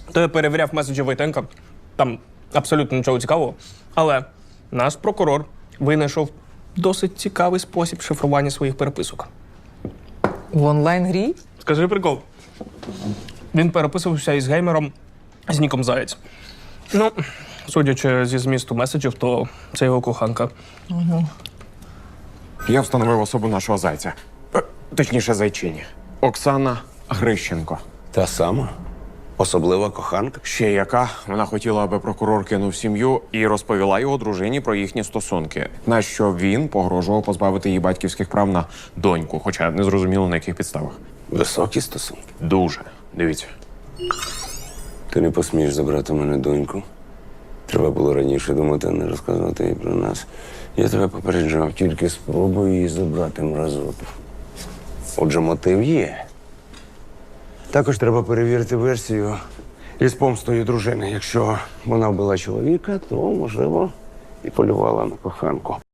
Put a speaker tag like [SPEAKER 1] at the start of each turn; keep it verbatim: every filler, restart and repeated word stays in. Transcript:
[SPEAKER 1] То я перевіряв меседжі Войтенка. Там абсолютно нічого цікавого. Але наш прокурор винайшов досить цікавий спосіб шифрування своїх переписок.
[SPEAKER 2] В онлайн-грі?
[SPEAKER 1] Скажи прикол. Він переписувався із геймером з ніком Заєць. Ну, судячи зі змісту меседжів, то це його коханка.
[SPEAKER 3] Я встановив особу нашого зайця. Е, Точніше, зайчині. Оксана Грищенко.
[SPEAKER 4] Та сама? Особлива коханка?
[SPEAKER 3] Ще яка. Вона хотіла, аби прокурор кинув сім'ю і розповіла його дружині про їхні стосунки. На що він погрожував позбавити її батьківських прав на доньку, хоча не зрозуміло, на яких підставах.
[SPEAKER 4] Високі стосунки.
[SPEAKER 3] Дуже. Дивіться.
[SPEAKER 4] Ти не посмієш забрати у мене доньку. Треба було раніше думати, а не розказувати їй про нас. Я тебе попереджав, тільки спробуй її забрати мразоту. Отже, мотив є. Також треба перевірити версію із помстою дружини. Якщо вона вбила чоловіка, то, можливо, і полювала на коханку.